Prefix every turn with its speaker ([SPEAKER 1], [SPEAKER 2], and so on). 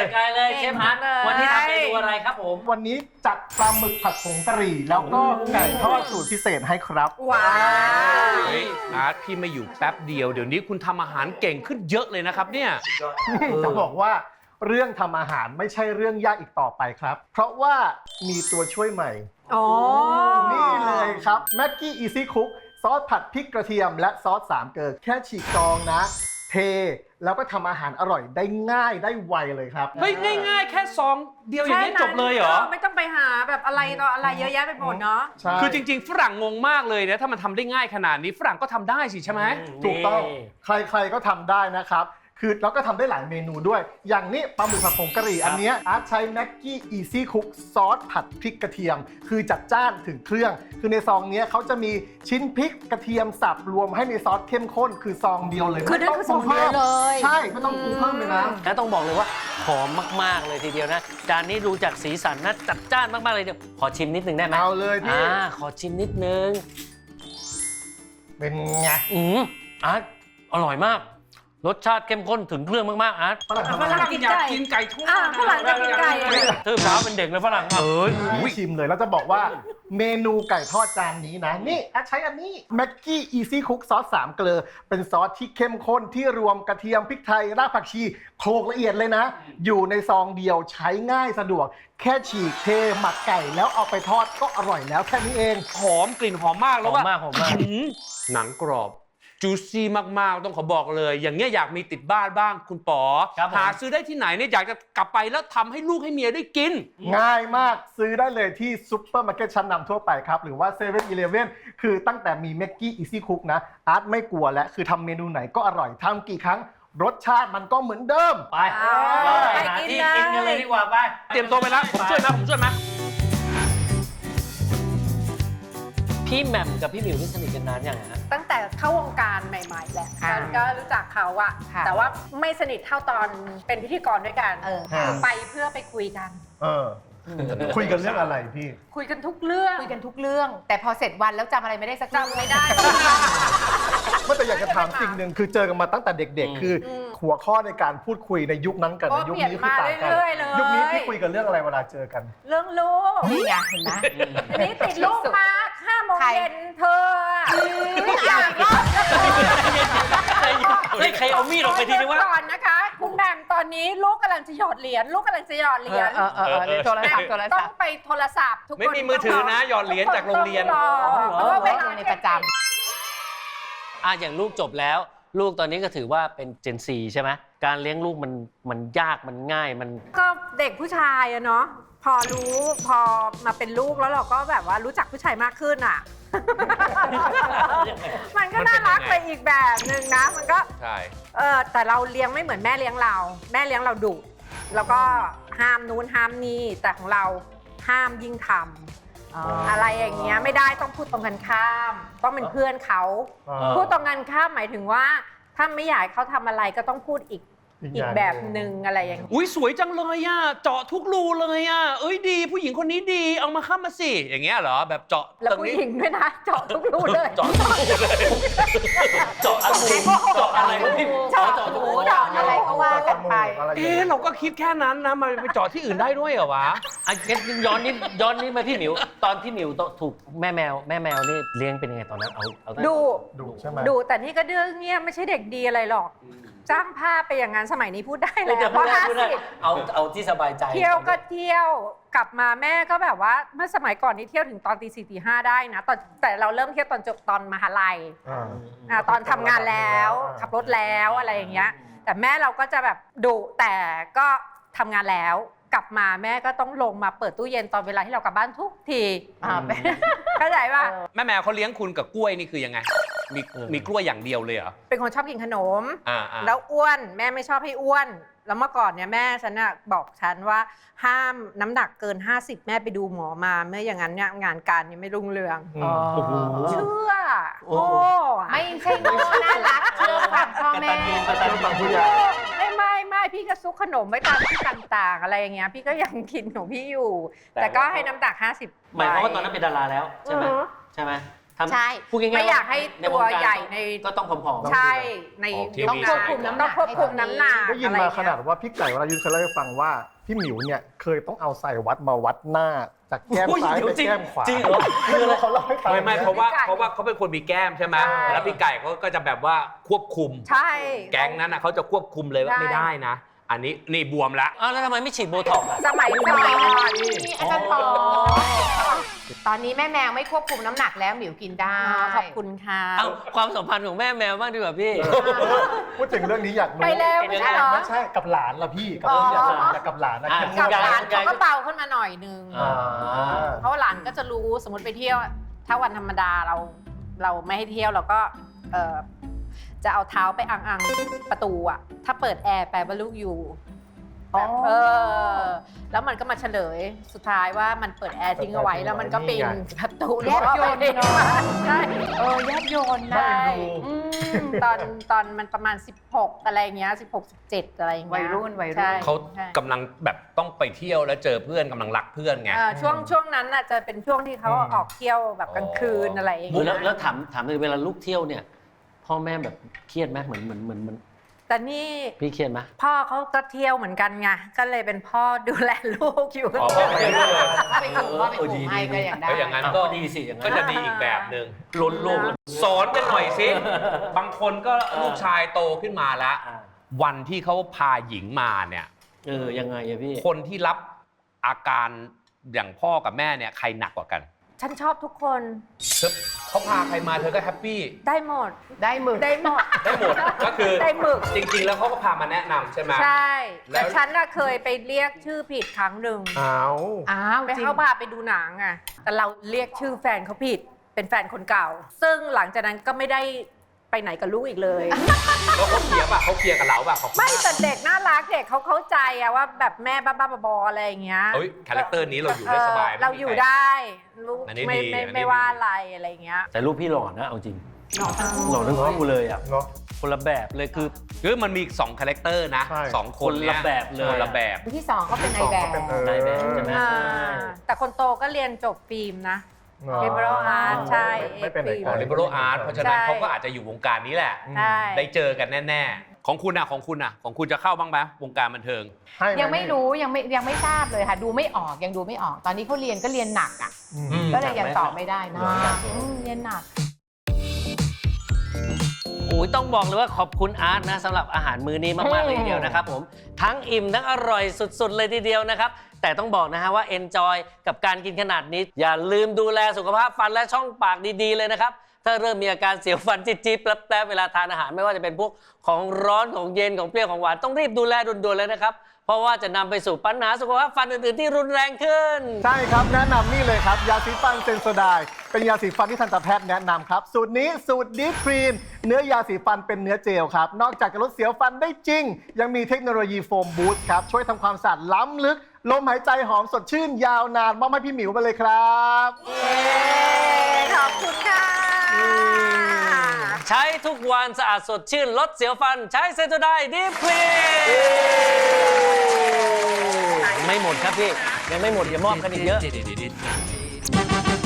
[SPEAKER 1] ไกลเลยเชฟฮัทวันนี้ทำเมนูอะไรครับผม
[SPEAKER 2] วันนี้จัดปลาหมึกผัดผงกะหรี่แล้วก็ไก่ทอดสูตรพิเศษให้ครับ
[SPEAKER 3] ว้าว
[SPEAKER 4] อาร์ตพี่ไม่อยู่แป๊บเดียวเดี๋ยวนี้คุณทำอาหารเก่งขึ้นเยอะเลยนะครับเนี่ย
[SPEAKER 2] จะบอกว่าเรื่องทำอาหารไม่ใช่เรื่องยากอีกต่อไปครับเพราะว่ามีตัวช่วยใหม่นี่เลยครับแม็กกี้อีซี่คุกซอสผัดพริกกระเทียมและซอสสามเกลือแค่ฉีกซองนะเทแล้วก็ทำอาหารอร่อยได้ง่ายได้ไวเลยครับ
[SPEAKER 4] เฮ้ยง่ายๆแค่ซองเดียวอย่างนี้จบเลยเหรอ
[SPEAKER 3] ไม่ต้องไปหาแบบอะไรต่ออะไรเยอะแยะไปหมดเนาะ
[SPEAKER 4] คือจริงๆฝรั่งงงมากเลยนะถ้ามันทำได้ง่ายขนาดนี้ฝรั่งก็ทำได้สิใช่ไหม
[SPEAKER 2] ถูกต้องใครๆก็ทำได้นะครับคือเราก็ทำได้หลายเมนูด้วยอย่างนี้ปลาหมึกผัดผงกะหรี่อันนี้อาร์ตใช้แม็กกี้อีซี่คุกซอสผัดพริกกระเทียมคือจัดจ้านถึงเครื่องคือในซองนี้เขาจะมีชิ้นพริกกระเทียมสับรวมให้ในซอสเข้มข้นคือซองเดียวเลย
[SPEAKER 3] คือนั่นคือซองเดียวเลย
[SPEAKER 2] ใช่ไม่ต้องปรุงเพิ่มเลยนะ
[SPEAKER 1] และต้องบอกเลยว่าหอมมากๆเลยทีเดียวนะจานนี้ดูจากสีสันนะจัดจ้านมากๆเลยเดี๋ยวขอชิมนิดนึงได้ไหม
[SPEAKER 2] เอาเลยพี่
[SPEAKER 1] ขอชิมนิดนึง
[SPEAKER 2] เป็นไง
[SPEAKER 1] อาร์ตอร่อยมากรสชาติเข้มข้นถึงเครื่องมากๆอาร์ต
[SPEAKER 3] ฝรั่ง
[SPEAKER 4] อยากกินไก่ทอด
[SPEAKER 3] ฝรั่งจะกินไก่
[SPEAKER 1] ตื่นเช้าเป็นเด็กเลยฝรั่ง
[SPEAKER 2] ชิมเลยแล้วจะบอกว่าเมนูไก่ทอดจานนี้นะนี่ใช้อันนี้แม็กกี้อีซี่คุกซอสสามเกลือเป็นซอสที่เข้มข้นที่รวมกระเทียมพริกไทยรากผักชีโขลกละเอียดเลยนะอยู่ในซองเดียวใช้ง่ายสะดวกแค่ฉีกเทหมักไก่แล้วเอาไปทอดก็อร่อยแล้วแค่นี้เอง
[SPEAKER 4] หอมกลิ่นหอมมากแล้วว่า
[SPEAKER 1] หอมมาก
[SPEAKER 4] หนังกรอบจูซี่มากๆต้องขอบอกเลยอย่างเงี้ยอยากมีติดบ้านบ้างคุณป๋อหาซื้อได้ที่ไหนเนี่ยอยากจะกลับไปแล้วทำให้ลูกให้เมียได้กิน
[SPEAKER 2] ง่ายมากซื้อได้เลยที่ซุปเปอร์มาร์เก็ตชั้นนำทั่วไปครับหรือว่า7-Eleven คือตั้งแต่มีแม็กกี้อีซี่คุกนะอาร์ตไม่กลัวและคือทำเมนูไหนก็อร่อยทำกี่ครั้งรสชาติมันก็เหมือนเดิม
[SPEAKER 1] ไปหาที่กินกันเลยดีกว่าไป
[SPEAKER 4] เตรียมตัวไปแล้วผมช่วยนะ
[SPEAKER 1] พี่แหม่มกับพี่หมิวนี่สนิทกันนานยังฮะ
[SPEAKER 3] ตั้งแต่เข้าวงการใหม่ๆแหละก็รู้จักเขาอะแต่ว่าไม่สนิทเท่าตอนเป็นพิธีกรด้วยกันไปเพื่อไปคุยกัน
[SPEAKER 2] คุยกันเรื่องอะไรพี่
[SPEAKER 3] คุยกันทุกเรื่อง
[SPEAKER 5] แต่พอเสร็จวันแล้วจำอะไรไม่ได้สัก
[SPEAKER 3] จำไม่ได้
[SPEAKER 2] ไม่แต่อยากจะถามสิ่งหนึ่งคือเจอกันมาตั้งแต่เด็กๆคือหัวข้อในการพูดคุยในยุคนั้นกับในยุคนี้คือต่างกันยุคนี้พี่คุยกันเรื่องอะไรเวลาเจอกัน
[SPEAKER 3] เรื่องลูก
[SPEAKER 5] นี่ไงเห็นไหม
[SPEAKER 3] อันนี้ติดลูกมา5 โมงเย็นเธออยากรอด
[SPEAKER 1] ใครเอามีดออกไปทีนึงว่า
[SPEAKER 3] ก่อนนะคะคุณแหม่มตอนนี้ลูกกำลังจะหยอดเหรียญ
[SPEAKER 5] โทรศัพท์
[SPEAKER 3] ต้องไปโทรศัพท์ทุกคน
[SPEAKER 4] ไม่มีมือถือนะหยอดเหรียญจากโรงเรียน
[SPEAKER 3] เพราะว่าเวลา
[SPEAKER 5] ในประจำ
[SPEAKER 1] อย่างลูกจบแล้วลูกตอนนี้ก็ถือว่าเป็นเจนซีใช่ไหมการเลี้ยงลูกมันยากมันง่ายมัน
[SPEAKER 3] ก็เด็กผู้ชายอะเนาะพอมาเป็นลูกแล้วเราก็แบบว่ารู้จักผู้ชายมากขึ้นอ่ะมันก็น่ารักไปอีกแบบนึงนะมันก็
[SPEAKER 4] ใช่
[SPEAKER 3] แต่เราเลี้ยงไม่เหมือนแม่เลี้ยงเราดุแล้วก็ห้ามนู้นห้ามนี่แต่ของเราห้ามยิ่งทำอะไรอย่างเงี้ยไม่ได้ต้องพูดตรงกันข้ามต้องเป็นเพื่อนเขาพูดตรงกันข้ามหมายถึงว่าถ้าไม่อยากเขาทำอะไรก็ต้องพูดอีกแบบหนึ่งอะไรอย่างเงี้ย
[SPEAKER 4] อุ้ยสวยจังเลยอ่ะเจาะทุกรูเลยอ่ะเอ้ยดีผู้หญิงคนนี้ดีเอามาเข้ามาสิอย่างเงี้ยเหรอแบบเจาะ
[SPEAKER 3] แล้วผู้หญิงด้วยนะเจาะทุกรูเลย
[SPEAKER 1] เจาะอะไรพี่
[SPEAKER 3] เจาะหูเจาะอะไรก็ว่ากันไป
[SPEAKER 4] เราก็คิดแค่นั้นนะมาไปเจาะที่อื่นได้ด้วยเหรอวะ
[SPEAKER 1] ย้อนนิดมาพี่หมิวตอนพี่หมิวถูกแม่แมวนี่เลี้ยงเป็นยังไงตอนนั้นเอา
[SPEAKER 2] ดูใช่ไหม
[SPEAKER 3] ดูแต่นี่ก็เรื่องเงี้ยไม่ใช่เด็กดีอะไรหรอกจ้างภาพไปอย่างนั้นสมัยนี้พูดได้แล้วเพราะ
[SPEAKER 1] 50เอาที่สบายใจ
[SPEAKER 3] เที่ยวก็เที่ยวกลับมาแม่ก็แบบว่าเมื่อสมัยก่อนนี่เที่ยวถึงตอนตี 4 ตี 5ได้นะแต่เราเริ่มเที่ยวตอนจบตอนมหาลัยตอนทำงานแล้วขับรถแล้วอะไรอย่างเงี้ยแต่แม่เราก็จะแบบดุแต่ก็ทำงานแล้วกลับมาแม่ก็ต้องลงมาเปิดตู้เย็นตอนเวลาที่เรากลับบ้านทุกทีเข้าใจป่ะ
[SPEAKER 4] แม่แมวเขาเลี้ยงคุณกับกล้วยนี่คือยังไงมีกล้วยอย่างเดียวเลยเหรอ
[SPEAKER 3] เป็นคนชอบกินขนมแล้วอ้วนแม่ไม่ชอบให้อ้วนแล้วเมื่อก่อนเนี่ยแม่ฉันน่ะบอกฉันว่าห้ามน้ำหนักเกิน50แม่ไปดูหมอมาเมื่ออย่างนั้นเนี่ยงานการนี่ไม่รุ่งเรืองเชื่อ
[SPEAKER 5] ไม่ใช่โง่น่ารักเชื่อฟังพ่อแม่
[SPEAKER 3] ไม่พี่ก็ซุกขนมไว้ตามที่ต่างๆอะไรอย่างเงี้ยพี่ก็ยังกินของพี่อยู่แต่ก็ให้น้ำหนัก50
[SPEAKER 1] หมายความว่าตอนนั้นเป็นดาราแล้วใช่ไหม
[SPEAKER 5] ใช่
[SPEAKER 1] พูดง่ายๆ
[SPEAKER 3] ไม่อยากให้
[SPEAKER 1] ใน
[SPEAKER 3] ตัว
[SPEAKER 1] งการ
[SPEAKER 3] ใหญ่ใน
[SPEAKER 1] ก็ต้องผอมๆ
[SPEAKER 3] ใช่ใน
[SPEAKER 4] ออกทีวี
[SPEAKER 5] ต้องควบคุมน้ำหนัก
[SPEAKER 3] ต้องควบคุมน้ำหนัก
[SPEAKER 2] ได้ยินมาขนาดว่าพี่ไก่วรายุทธเคยเล่าให้ฟังว่าพี่หมิวเนี่ยเคยต้องเอาสายวัดมาวัดหน้าจากแก้มซ้ายไปแก้มขวา
[SPEAKER 1] จริงเหรอ
[SPEAKER 2] คือเขาเล่าให้ฟัง
[SPEAKER 4] ไม่เพราะว่า
[SPEAKER 3] พี่ไก่
[SPEAKER 4] เขาเป็นคนมีแก้มใช่ไหม
[SPEAKER 3] ใช่
[SPEAKER 4] แล้วพี่ไก่เขาก็จะแบบว่าควบคุม
[SPEAKER 3] ใช่
[SPEAKER 4] แก๊งนั้นนะเขาจะควบคุมเลยว่า
[SPEAKER 3] ใช่
[SPEAKER 4] ไม่ได้นะ อันนี้นี่บวมละ
[SPEAKER 1] อ้าวแล้วทำไมไม่ฉีดโบท็อกซ์อ่ะ
[SPEAKER 3] สมัยก่อน
[SPEAKER 5] อาจารย์ปอตอนนี้แม่แมวไม่ควบคุมน้ำหนักแล้วหมิวกินได้
[SPEAKER 3] ขอบคุณค่ะ
[SPEAKER 1] เอาความสัมพันธ์ของแม่แมวบ้างดีกว่าพี่
[SPEAKER 2] พูดถึงเรื่องนี้อยากรู้
[SPEAKER 3] ไปแล้วไม่ใช่เหรอ
[SPEAKER 2] ไม่ใช่กับหลานล่ะพี่กับเรื่องอยากรู้แต่กับหลานนะ
[SPEAKER 1] อ่ะ
[SPEAKER 2] เข้ม
[SPEAKER 3] กับ
[SPEAKER 2] ข้น
[SPEAKER 3] หลานเขาก็เบาขึ้นมาหน่อยนึง
[SPEAKER 1] อ่า
[SPEAKER 3] เพราะว่าหลานก็จะรู้สมมติไปเที่ยว ถ้าวันธรรมดาเราไม่ให้เที่ยวเราก็จะเอาเท้าไปอังประตูอะถ้าเปิดแอร์แปลว่าลูกอยู่แบบแล้วมันก็มาเฉลยสุดท้ายว่ามันเปิดแอร์ทิ้งเอาไว้แล้วมันก็ปีนประตู
[SPEAKER 5] แยบยลเนอะ
[SPEAKER 3] ใช่
[SPEAKER 5] แยบยนต์นะ
[SPEAKER 3] ใช่ตอนมันประมาณ 16 อะไรเงี้ย16 17อะไรอย่างเงี้ย
[SPEAKER 5] วัยรุ่น
[SPEAKER 3] ใช่
[SPEAKER 4] เขา
[SPEAKER 3] ใช่
[SPEAKER 4] กำลังแบบต้องไปเที่ยวแล้วเจอเพื่อนกำลังรักเพื่อนไง
[SPEAKER 3] ช่วงนั้นน่ะจะเป็นช่วงที่เขาออกเที่ยวแบบกลางคืนอะไรอย่างเงี้ย
[SPEAKER 1] แล้วถามเลยเวลาลูกเที่ยวเนี่ยพ่อแม่แบบเครียดไหมเหมือน
[SPEAKER 3] แต่นี่
[SPEAKER 1] พี่เครียดไหม
[SPEAKER 3] พ่อเขาก็เที่ยวเหมือนกันไงก็เลยเป็นพ่อดูแลลูกอยู่
[SPEAKER 4] อ๋อพ่อไปด้วยเลย
[SPEAKER 5] ไปถึงว่าไปถูให้ก็อย่างได้
[SPEAKER 4] ก็อย่างนั้น
[SPEAKER 1] ก็ดีสิอย่างนั้น
[SPEAKER 4] ก็จะดีอีกแบบหนึ่ง
[SPEAKER 1] ล้นลูกแล้ว
[SPEAKER 4] สอนกันหน่อยสิ บางคนก็ลูกชายโตขึ้นมาแล้ว
[SPEAKER 1] อ่า
[SPEAKER 4] วันที่เขาพาหญิงมาเนี่ย
[SPEAKER 1] ยังไงอะพี่
[SPEAKER 4] คนที่รับอาการอย่างพ่อกับแม่เนี่ยใครหนักกว่ากัน
[SPEAKER 3] ฉันชอบทุกคน
[SPEAKER 4] เขาพาใครมาเธอก็แฮปปี้
[SPEAKER 3] ได้หมด
[SPEAKER 5] ได้หมึก
[SPEAKER 3] ได้หมด
[SPEAKER 4] ได้หมด ก็คือ
[SPEAKER 3] ได้หมึก
[SPEAKER 4] จริงๆ แล้วเขาก็พามาแนะนำใช่ไหม
[SPEAKER 3] ใช่
[SPEAKER 4] แล้ว
[SPEAKER 3] แต่ฉันน่ะเคยไปเรียกชื่อผิดครั้งหนึ่ง
[SPEAKER 2] อ้าว
[SPEAKER 5] อ้าว
[SPEAKER 3] ไป
[SPEAKER 5] จริง
[SPEAKER 3] เข้าพาไปดูหนังอ่ะแต่เราเรียกชื่อแฟนเขาผิดเป็นแฟนคนเก่า ซึ่งหลังจากนั้นก็ไม่ได้ไปไหนกับลูกอีกเลย
[SPEAKER 4] แล้วเขาเคลียร์ป่ะเขาเคลียร์กับเราป่ะเขา
[SPEAKER 3] ไม่แต่เด็กน่ารักเด็กเขาเข้าใจอะว่าแบบแม่บ้าๆบอๆอะไรอย่างเงี้ย
[SPEAKER 4] เฮ้ยคาแรคเตอร์นี้เราอยู่ได้สบาย
[SPEAKER 3] เราอยู่ได้ลูก
[SPEAKER 4] อันนี้
[SPEAKER 3] ไม่
[SPEAKER 4] ดี
[SPEAKER 3] ไม่
[SPEAKER 4] อันนี้
[SPEAKER 3] ไม่ว่าอะไรอะไรอย่างเงี้ย
[SPEAKER 1] แต่ลูกพี่หล่อนะเอาจริงหล่อทั้งคู่เลยอ่ะ
[SPEAKER 2] เนาะ
[SPEAKER 1] คนละแบบเลยคือ
[SPEAKER 4] คือมันมีอีก2คาแรคเตอร์นะ
[SPEAKER 2] ใช่
[SPEAKER 4] สองคน
[SPEAKER 1] คนละแบบเลย
[SPEAKER 4] คนละแบบ
[SPEAKER 5] ที่สองเขาเป็นนายแบบ
[SPEAKER 1] นายแบบใช่ไหม
[SPEAKER 3] อ่าแต่คนโตก็เรียนจบฟิล์มนะ
[SPEAKER 2] อ๋อ
[SPEAKER 3] liberal art ใช่
[SPEAKER 2] ไม่เป็น
[SPEAKER 3] เอกฟิล์ม
[SPEAKER 2] อ๋อ
[SPEAKER 4] liberal art เพราะฉะนั้น
[SPEAKER 3] ใช่
[SPEAKER 4] เขาก็อาจจะอยู่วงการนี้แหละ
[SPEAKER 3] ใช่
[SPEAKER 4] ได้เจอกันแน่ๆ ของคุณของคุณจะเข้าบ้างไหมวงการบันเทิง
[SPEAKER 2] ให้ห
[SPEAKER 5] ยังไม่รู้ยังไม่ทราบเลยค่ะ ดูไม่ออกยังดูไม่ออก ตอนนี้เขาเรียนก็เรียนหนักอ่ะ
[SPEAKER 2] อืม
[SPEAKER 5] ก็เลยยังตอบไม่ได้นะ
[SPEAKER 1] หนัก
[SPEAKER 5] เรียนหนัก
[SPEAKER 1] โอ้ยต้องบอกเลยว่าขอบคุณอาร์ตนะสำหรับอาหารมื้อนี้มากๆเลยทีเดียวนะครับผมทั้งอิ่มทั้งอร่อยสุดๆเลยทีเดียวนะครับแต่ต้องบอกนะฮะว่า enjoy กับการกินขนาดนี้ อย่าลืมดูแลสุขภาพฟันและช่องปากดีๆเลยนะครับถ้าเริ่มมีอาการเสียวฟันจี๊ดๆแป๊บๆเวลาทานอาหารไม่ว่าจะเป็นพวกของร้อนของเย็นของเปรี้ยวของหวานต้องรีบดูแลด่วนๆเลยนะครับเพราะว่าจะนำไปสู่ปัญหาสุขภาพฟันอื่นๆที่รุนแรงขึ้น
[SPEAKER 2] ใช่ครับแนะนำนี่เลยครับ ยาสีฟันเซนโซไดน์เป็นยาสีฟันที่ทันตแพทย์แนะนำครับ สูตรนี้สูตรดีครีนเนื้อยาสีฟันเป็นเนื้อเจลครับ นอกจากจะลดเสียวฟันได้จริง ยังมีเทคโนโลยีโฟมบูสต์ครับ ช่วยทำความสะอาดล้ำลึก ลมหายใจหอมสดชื่นยาวนานมอบให้พี่หมิวไปเลยครับ
[SPEAKER 3] ขอบคุณค่ะ
[SPEAKER 1] ใช้ทุกวันสะอาดสดชื่นลดเสียวฟัน ใช้เซนโซไดดีพลีไม่หมดครับพี่ยังไม่หมดอย่ามอบกันอีกเยอะ